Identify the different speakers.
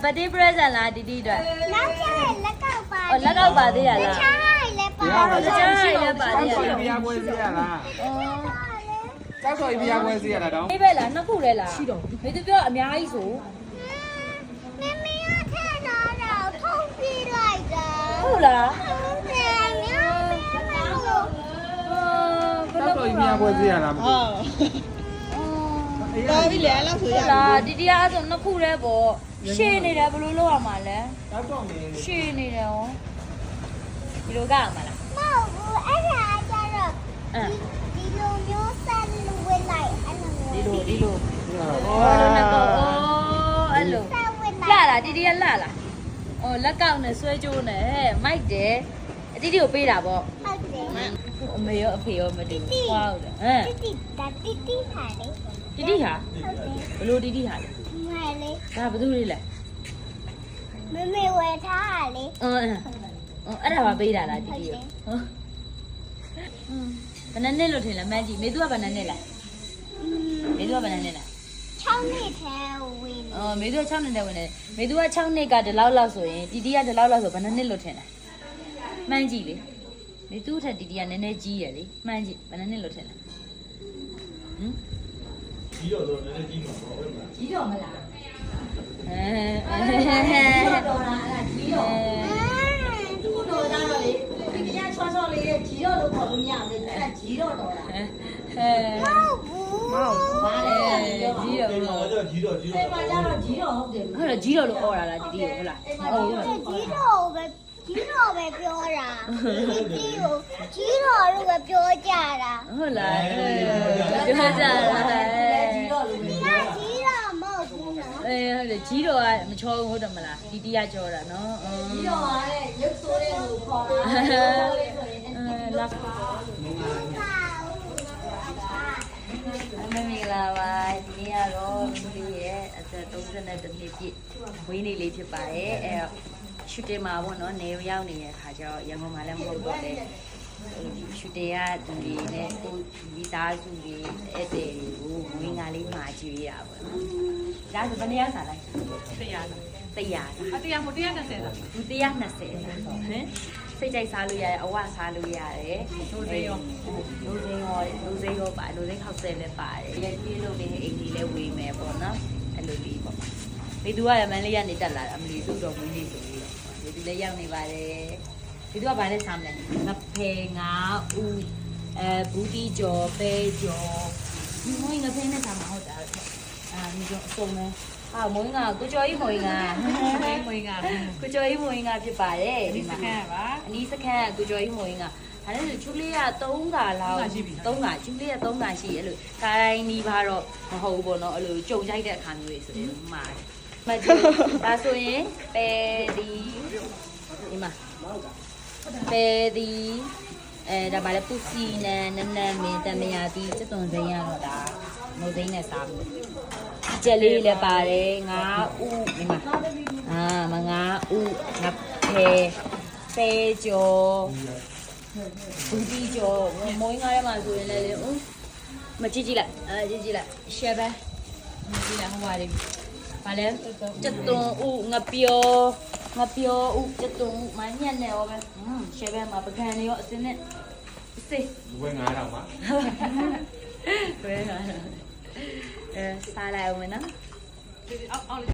Speaker 1: birthday present လားတီတီအတွက်
Speaker 2: နောက်ကျရင်လက်ကောက်ပါ
Speaker 1: လက်ကောက်ပါသေးရလား
Speaker 2: ချားလည်းပါ
Speaker 1: တခြားလည်းပါသေးရ
Speaker 3: ဆောက်
Speaker 1: လား
Speaker 3: ပြားပွဲစီရလားဆောက်ဆော်ပြားပွဲစီရလားတော့
Speaker 1: အေးပဲလားနှစ်ခုလဲလားရှိတော့မေသူပြောအများကြီးဆို
Speaker 2: မမရထက်တော့ထုံးပြလိုက်တာ
Speaker 1: ဟုတ်လား
Speaker 2: ဟုတ်တယ်မြောင်းမြောင်းလို့
Speaker 3: ဆောက်ဆော်ပြားပွဲစီရလားမသိ
Speaker 4: တော်ပြီလေအဲ့လောက်ဆိုရ
Speaker 1: လာတီတီအားဆိုနှစ်ခုလဲပေါ့ရှေ့နေတယ်ဘယ်လိုလုပ်ရမှာလဲ
Speaker 3: ဆောက်တော့နေ
Speaker 1: ရှေ့နေတယ်ဟောဒီလိုကရမှာလား
Speaker 2: မဟုတ်ဘူးအဲ့ဒါကျတော့ ဒီလိုမျိုးဆက်လို့ဝင်လိုက်အဲ့လိုမျိုး
Speaker 1: ဒီလိုဒီလို
Speaker 3: ဟော
Speaker 1: အဲ့လိုနဲ့ပေါ့အဲ့လို
Speaker 2: ဆက်ဝင်
Speaker 1: လှ
Speaker 2: လိုက်
Speaker 1: လားတီတီကလှလားအော်လက်ကောက်နဲ့ဆွဲကြိုးနဲ့မိုက်တယ်အတီတီကိုပေးတာပေါ့
Speaker 2: ဟုတ်တယ်
Speaker 1: အမေရောအဖေရောမတူဘူးဟုတ်တယ်ဟမ်
Speaker 2: တိတိဒါတိတိဟာလေ
Speaker 1: တီတီဟာ
Speaker 2: ဟုတ်တယ်
Speaker 1: ဘလို့တီတီဟာလဲ
Speaker 2: မဲလေ
Speaker 1: ဒါဘယ်သူလေးလဲ
Speaker 2: မမေဝယ်ထားတာလေ
Speaker 1: အဲ့ဒါပါပေးတာလားတီတီရောဘယ်နဲ့လို့ထင်လဲမန်းကြီးမေသူကဘယ်နဲ့လဲမေသူကဘယ်နဲ့လဲ
Speaker 2: 6နှစ်ထဲဝင်
Speaker 1: မေသူက6နှစ်နဲ့ဝင်တယ်မေသူက6နှစ်ကဒီလောက်လောက်ဆိုရင်တီတီကဒီလောက်လောက်ဆိုဘယ်နှစ်လို့ထင်လဲမှန်းကြည့်လေမေသူထက်တီတီကနည်းနည်းကြီးရယ်လေမှန်းကြည့်ဘယ်နှစ်လို့ထင်လဲဟမ်ကြီးတော့နည်းနည်းကြီးမှာပေါ့ဟုတ်လားကြီးတော့မလားတော်တာအဲ့ကြီးတော့သူ့တော်တာတော့လေဒီကချောချောလေးကြီးတော့လို့ခေါ်လို့မရဘူးအဲ့ဒါကြီးတော့တော်တာ
Speaker 2: ဟုတ်ဘူး
Speaker 1: ဘာလဲကြီးတော့လို့
Speaker 5: ကြီးတော့
Speaker 1: အဲ့မှာကျတော့ကြီးတော့ဟုတ်တယ်ဟုတ်လားကြီးတော့လို့အော်တာလားတီတီကိုဟုတ်လားဟုတ်ကဲ့
Speaker 2: ကြီးတော့ပဲပြောတာဒီကိုကြီးတော့လို့ပဲပြောကြတာ
Speaker 1: ဟုတ်လားပြောကြတာကြီးတော့လို့
Speaker 2: ဒီကကြီးတော့မဟုတ်ဘူးနော်
Speaker 1: ဟုတ်တယ်ကြီးတော့ကမချောဘူးဟုတ်တယ်မလားတီတီကကြောတာနော်ကြီးတော့ကတဲ့ရုပ်ဆိုးတဲ့ကိုခေါ်တာလာမင်္ဂလာပါဒီနေ့ကတော့မိလေးရဲ့အသက်32နှစ်ပြည့်ဝင်းနေလေးဖြစ်ပါတယ်အဲရှူတင်မှာပေါ့နော်နေရောက်နေတဲ့ခါကျတော့ရန်ကုန်မှာလည်းမဟုတ်တော့လေရှူတင်ကသူတွေနဲ့ကိုမိသားစုတွေအဲ့တဲ့တွေကိုဝင်းကားလေးမှာကြည့်ရတာပေါ့နော်ဒါဆိုဘယ်နေရာစားလိုက်100လား100
Speaker 4: 100 120လား
Speaker 1: သူ120ဟမ်စိတ်ကြိုက်စားလို့ရတယ်အဝစားလို့ရတယ်လူစိမ်းရောပါလူစိမ်းခောက်ဆဲလည်းပါတယ်ရပြေးလို့နေအိမ်ကြီးလည်းဝေးမယ်ပေါ့နော်အဲ့လိုလေးပေါ့ဒီသူကရမန်လေးကနေတက်လာတာအမလီသူ့တော်ဝင်းလေးဆိုပြီးတော့ဒီလည်းရောက်နေပါတယ်ဒီသူကဘာလဲစားမလဲငဖယ်ငါဥဘူးတီကျော်ပဲကျော်ဒီမွေးငဖယ်နဲ့စားမှာဟုတ်တာဒီကျော်အစုံပဲမွေးငါကိုကျော်ကြီးမွေးငါကိုကျော်ကြီးမွေးငါဖြစ်ပါတယ်ဒီမှာအနီးစခန်းကိုကျော်ကြီးမွေးငါအဲ့ဒါဆိုချူလေးက3ခါလောက်3ခါချူလေးက3ခါရှိအဲ့လိုခိုင်းနီးပါတော့မဟုတ်ဘူးပေါ့နော်အဲ့လိုကြုံကြိုက်တဲ့အခါမျိုးတွေဆိုရင်မှာမကြည့်ဒါဆိုရင်ပဲဒီမှာပဲဒီဒါပါလေပူစီနန်နန်းမင်းတမယာတီစက်သွန်စိမ်းရတော့ဒါမုတ်သိန်းနဲ့စားမယ်ကြက်လေးလည်းပါတယ်ငါဥဒီမှာငါဥငါပဲကျော်ဘူးဒီကျော်မွေးငါးထဲမှာဆိုရင်လည်းမကြည့်ကြည့်လိုက်ကြည့်ကြည့်လိုက်ရှယ်ပဲကြည့်လိုက်ဟိုပါလေဘာလဲစက်သွန်ဥငါပြောဥစက်သွန်ဥမညက်နဲ့ရောပဲရှယ်ပဲမှာပကံတွေရောအစင်းနဲ့စေး
Speaker 3: ဝယ်9000ပါ
Speaker 1: ဝဲလာစားလိုက်အောင်မနော်